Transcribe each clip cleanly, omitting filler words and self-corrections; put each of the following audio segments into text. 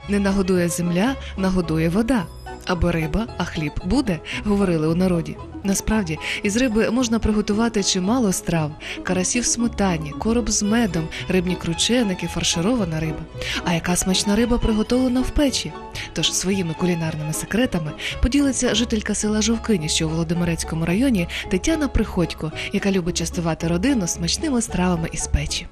Не нагодує земля, нагодує вода. Або риба, а хліб буде, говорили у народі. Насправді, із риби можна приготувати чимало страв. Карасі в сметані, короб з медом, рибні крученики, фарширована риба. А яка смачна риба приготовлена в печі? Тож своїми кулінарними секретами поділиться жителька села Жовкині, що у Володимирецькому районі, Тетяна Приходько, яка любить частувати родину смачними стравами із печі.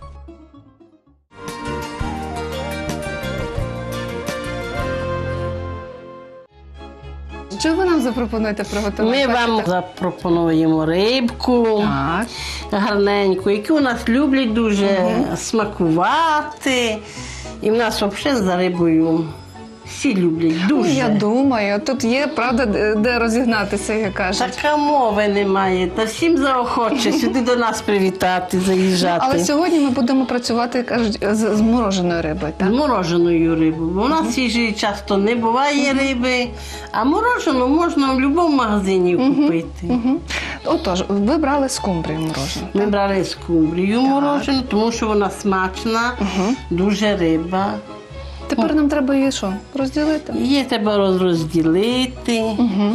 Що ви нам запропонуєте приготувати? Ми вам запропонуємо рибку Так. гарненьку, яку у нас люблять дуже смакувати. І в нас взагалі за рибою всі люблять дуже. Я думаю, тут є, правда, де розігнатися, як кажуть. Така мови немає. Та всім заохоче сюди до нас привітати, заїжджати. Але сьогодні ми будемо працювати, кажуть, з мороженою рибою, так? З мороженою рибою. Бо у нас свіжої часто не буває риби, а морожену можна в будь-якому магазині купити. Отож, ви брали скумбрію морожену. Ми брали скумбрію морожену, тому що вона смачна, дуже риба. Тепер нам треба її що, розділити? Її треба розділити,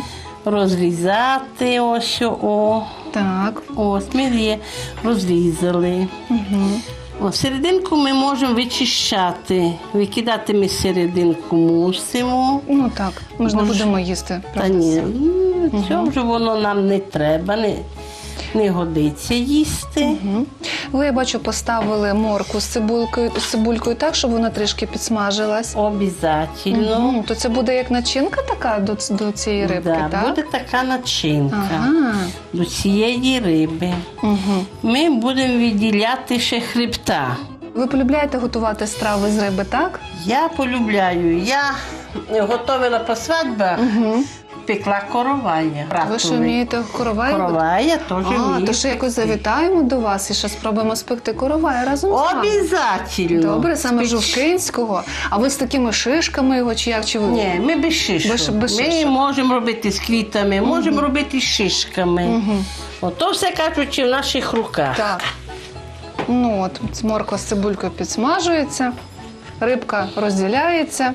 розрізати ось. Так. Ось ми її розрізали. Серединку ми можемо вичищати. Викидати ми серединку мусимо. Ну так, ми ж не будемо їсти. Та Правда? ні, цього вже воно нам не треба, не годиться їсти. Ви, я бачу, поставили морку з цибулькою так, щоб вона трішки підсмажилась. Обязательно. То це буде як начинка така до цієї рибки, Да, так? буде така начинка Ага. до цієї риби. Ми будемо відділяти ще хребта. Ви полюбляєте готувати страви з риби, так? Я полюбляю. Я готувала по свадьбах, пекла коровая. Ви що вмієте коровай? Коровая теж вмію. То ще якось завітаємо до вас і ще спробуємо спекти коровай разом з вами. Обязательно. Добре, саме жовкинського. А ви з такими шишками його чи як? Чи ви? Ні, ми без шишок. Без Ми шишок. можемо робити з квітами, можемо робити з шишками. Ото все, кажучи, в наших руках. Так. Ну от, морква з цибулькою підсмажується, рибка розділяється.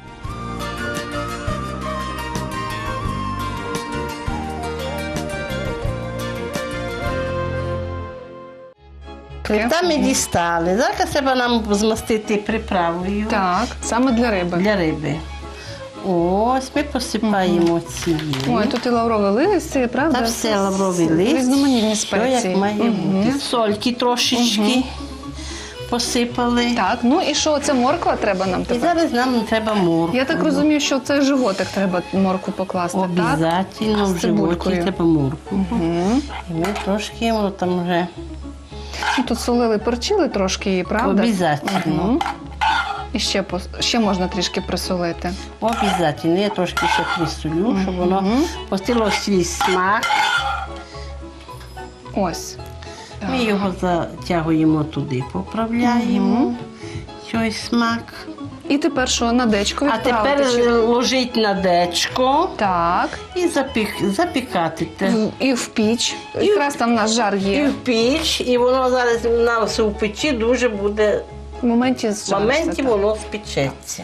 Хребта ми дістали. Зараз треба нам змастити приправою Так, саме для риби. для риби. Ось ми посипаємо цією. Ой, тут і лаврове листя, правда? Та все лавровий лист. Різноманітні Все спеції. як має бути. Сольки трошечки посипали. Так, ну і що, це морква треба нам І тепер? зараз нам треба моркву. Я так розумію, що це животик треба моркву покласти, так? Обязательно З в животі цибулькою. треба моркву. І ми трошки воно там вже Ну, тут солили, перчили трошки її, правда? обязательно. І ще можна трішки присолити. Обязательно. Я трошки ще присолю, щоб воно пустило свій смак. Ось. Ми його затягуємо туди, поправляємо. Цей смак. І тепер що, на дечко А відправити? тепер ложить на дечко Так. і запікати. І в піч. Якраз там наш жар І є. в піч, і воно зараз у нас у печі дуже буде, В моменті в зжариться, моменті так. воно спечеться.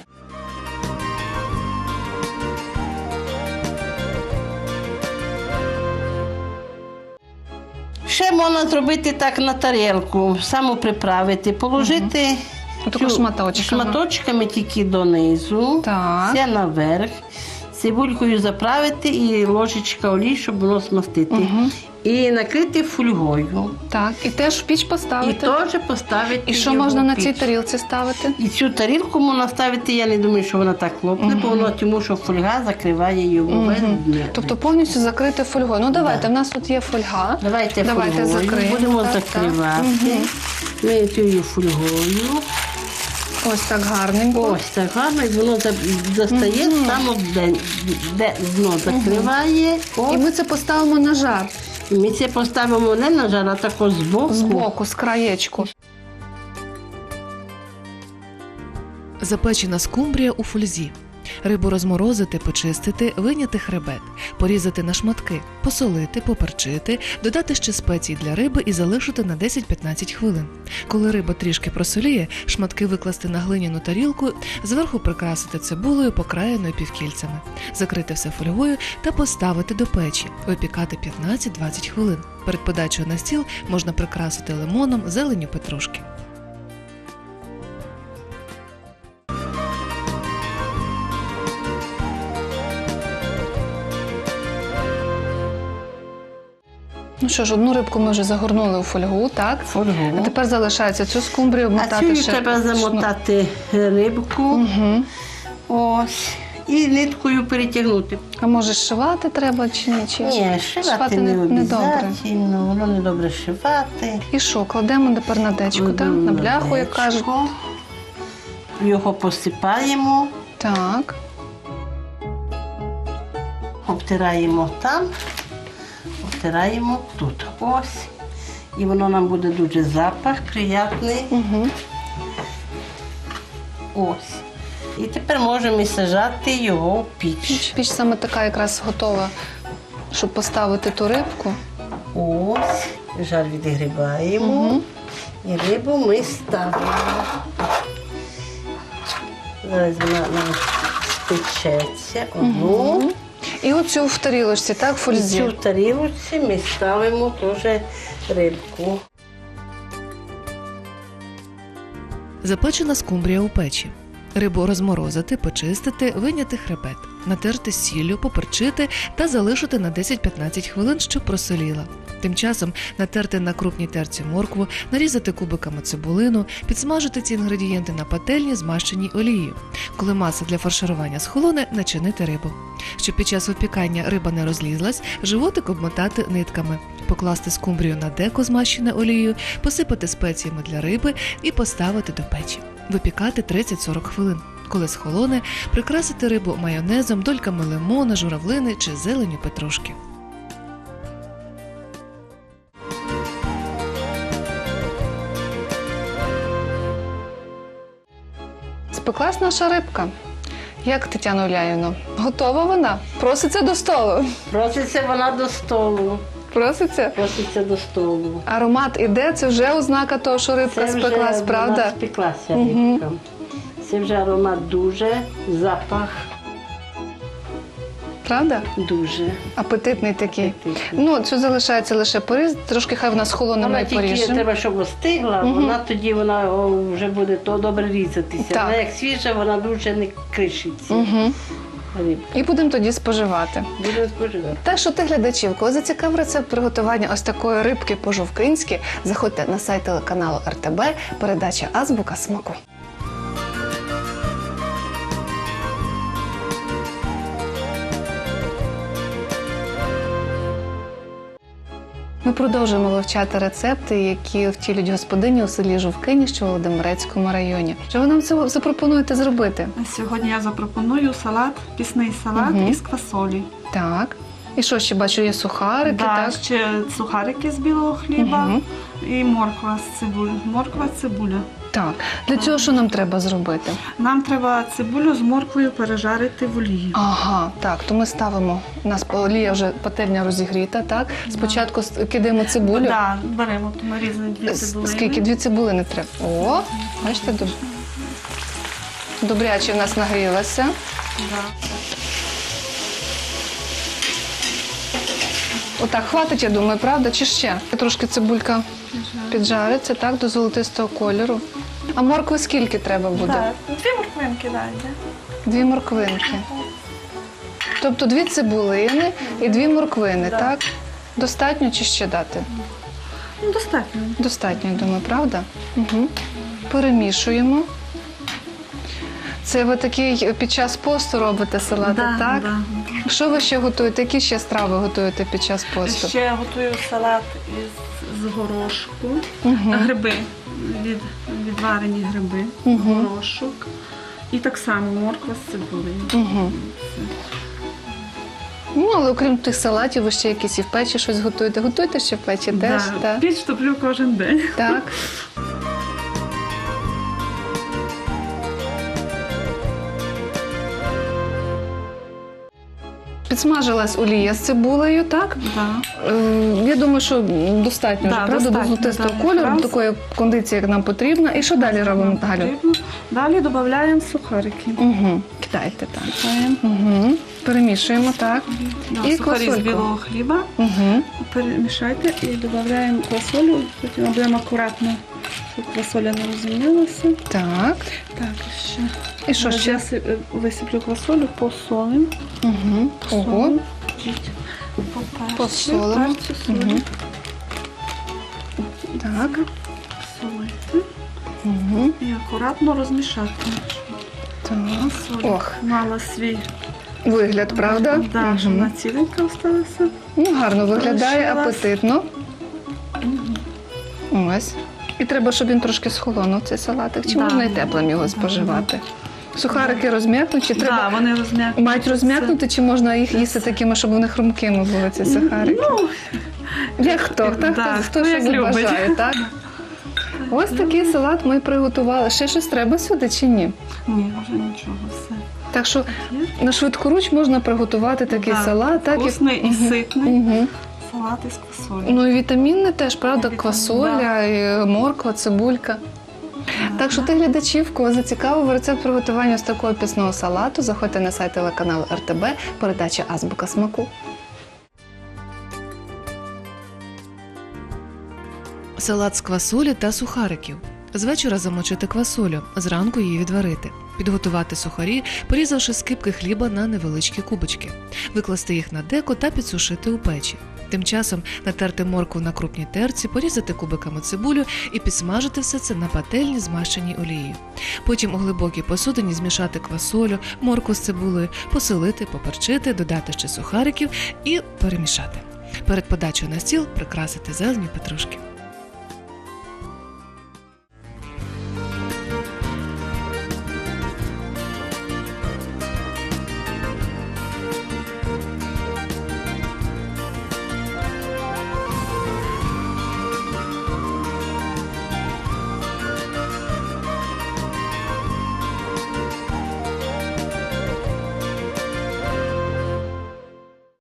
Ще можна зробити так на тарілку, саму приправити, положити Отако шматочками. шматочками тільки донизу, Так. все наверх, цибулькою заправити і ложечка олії, щоб воно змастити. І накрити фольгою. Так, і теж в піч І поставити. теж поставити. І що його можна в на піч. цій тарілці ставити? І цю тарілку можна ставити, я не думаю, що вона так лопне, бо воно тому, що фольга закриває його весь дне. Тобто повністю закрити фольгою. Ну давайте, в нас тут є фольга. Давайте фольгою закриємо. будемо Так, закривати. Ми цією фольгою. Ось так гарненько. Ось так гарно, і воно достає саме де дно закриває. І ми це поставимо на жар. І ми це поставимо не на жар, а тако збоку. Збоку, з краєчку. Запечена скумбрія у фользі. Рибу розморозити, почистити, вийняти хребет, порізати на шматки, посолити, поперчити, додати ще спецій для риби і залишити на 10-15 хвилин. Коли риба трішки просоліє, шматки викласти на глиняну тарілку, зверху прикрасити цибулею, покраєною півкільцями, закрити все фольгою та поставити до печі, випікати 15-20 хвилин. Перед подачею на стіл можна прикрасити лимоном, зеленню петрушки. Ну що ж, одну рибку ми вже загорнули у фольгу, так? Фольгу. А тепер залишається цю скумбрію А обмотати цю ще. треба замотати рибку. Угу. Ось. І ниткою перетягнути. А може зшивати треба чи ні? Чи... Ні, шивати не добре. обов'язково, воно не добре шивати. І що, кладемо тепер на дечку, так? Кладемо На бляху, як дечко. кажуть. Його посипаємо, Так. обтираємо там, обтираємо тут. Ось. І воно нам буде дуже запах, приятний. Угу. Ось. І тепер можемо і сажати його в піч. Піч саме така якраз готова, щоб поставити ту рибку. Ось. Жар відгрібаємо. Угу. І рибу ми ставимо. Зараз вона нам спечеться одну. Угу. І оцю в тарілочці, так, в І фользі. цю тарілочці ми ставимо теж рибку. Запечена скумбрія у печі. Рибу розморозити, почистити, вийняти хребет, натерти сіллю, поперчити та залишити на 10-15 хвилин, щоб просоліла. Тим часом натерти на крупній терці моркву, нарізати кубиками цибулину, підсмажити ці інгредієнти на пательні, змащеній олією. Коли маса для фарширування схолоне, начинити рибу. Щоб під час випікання риба не розлізлась, животик обмотати нитками, покласти скумбрію на деко, змащене олією, посипати спеціями для риби і поставити до печі. Випікати 30-40 хвилин. Коли схолоне, прикрасити рибу майонезом, дольками лимона, журавлини чи зеленю петрушки. Спеклась наша рибка. Як, Тетяна Уляївна, готова вона? Проситься до столу. Проситься вона до столу. Проситься? Проситься до столу. Аромат іде, це вже ознака того, що рибка спеклась, вона правда? спеклася Мгм. рибка. Це вже аромат дуже, запах Правда? дуже. Апетитний такий. Апетитний. Ну, цю залишається лише поріз, трошки хай вона схолоне, ми Вона і тільки поріжемо. треба, щоб остигла, Мгм. вона тоді вже буде то добре різатися. Так. Вона як свіжа, вона дуже не кришиться. Угу. Рибка. І будемо тоді споживати. Буде споживати. Так що ти, глядачів, коли зацікавив рецепт приготування ось такої рибки по-жовкинськи, заходьте на сайт телеканалу РТБ, передача «Азбука смаку». Ми продовжуємо вивчати рецепти, які втілюють господині у селі Жовкині, що у Володимирецькому районі. Що ви нам це запропонуєте зробити? Сьогодні я запропоную салат, пісний салат Мгм. із квасолі. Так. І що ще бачу, є сухарики, так? Ще сухарики з білого хліба Мгм. і морква з цибулею. Морква, цибуля. Так. Для цього що нам треба зробити? Нам треба цибулю з морквою пережарити в олії. Ага, так, то ми ставимо, у нас олія вже пательня розігріта, так? Спочатку кидаємо цибулю. Да, беремо то нарізані дві цибулини. Скільки? 2 цибулини треба. О, бачите, добряче в нас нагрілася. Да. Отак, хватить, я думаю, правда? Чи ще? Трошки цибулька піджариться, так, до золотистого кольору. А моркви скільки треба буде? Да. Дві морквинки дайте. 2 морквинки. Тобто 2 цибулини і 2 морквини, Да. так? Достатньо чи ще дати? Ну, достатньо. Достатньо, я думаю, правда? Угу. Перемішуємо. Це ви такий під час посту робите салати, Да, так? да. Що ви ще готуєте? Які ще страви готуєте під час посту? Ще готую салат з горошку. Угу. Гриби, відварені гриби, Мгм. горошок. І так само морква з цибулею. Угу. Ну, але окрім тих салатів, ви ще якісь і в печі щось готуєте. Готуєте ще в печі теж? Да, Так. піч топлю кожен день. Так. підсмажилась олія з цибулею, так? Да. Я думаю, що достатньо Да, вже, правда, до достатньо, золотистого да, кольору, якраз. до такої кондиції, як нам потрібно. І що далі робимо, Галю? Далі додаємо сухарики. Угу. Кидайте так. Додаємо. Угу. Перемішуємо так. Да, І сухарі з квасольку. білого хліба. Угу. Перемішайте і додаємо квасолю. Потім будемо акуратно, щоб квасоля не розумілася. Так. Так, ще. І що Зараз ще? я висиплю квасолю, посолимо. Угу. Ого. Посолимо. Перцю, солі. Мгм. Так. Солити. Угу. І акуратно розмішати. Так. Соль Ох, мала свій вигляд, правда? Да, щоб Мгм. вона ціленька залишилася. Ну, гарно виглядає, Залишилась. апетитно. Ось. І треба, щоб він трошки схолонув, цей салатик. Чи Да. можна і теплим його Да. споживати? Сухарики розм'якнуть, чи треба Да, вони розм'якнуть. мають розм'якнути, чи можна їх їсти такими, щоб вони хрумкими були, ці сухарики? Ну, Як хто? да, Хто хто що як любить. бажає, так? Ось такий салат ми приготували. Ще щось треба сюди чи ні? ні, вже нічого, все. Так що Є. на швидкоруч можна приготувати такий Да, салат, так вкусний і ситний. Угу. Салат із квасолі. Ну і вітамінне теж, правда, Вітамін, квасоля, і морква, цибулька. Так що ти, глядачів, кого зацікавив рецепт приготування ось такого пісного салату, заходьте на сайт телеканалу РТБ, передача «Азбука смаку». Салат з квасолі та сухариків. З вечора замочити квасолю, зранку її відварити. Підготувати сухарі, порізавши скибки хліба на невеличкі кубочки. Викласти їх на деко та підсушити у печі. Тим часом натерти моркву на крупній терці, порізати кубиками цибулю і підсмажити все це на пательні, змащеній олією. Потім у глибокій посудині змішати квасолю, моркву з цибулею, посолити, поперчити, додати ще сухариків і перемішати. Перед подачею на стіл прикрасити зеленню петрушки.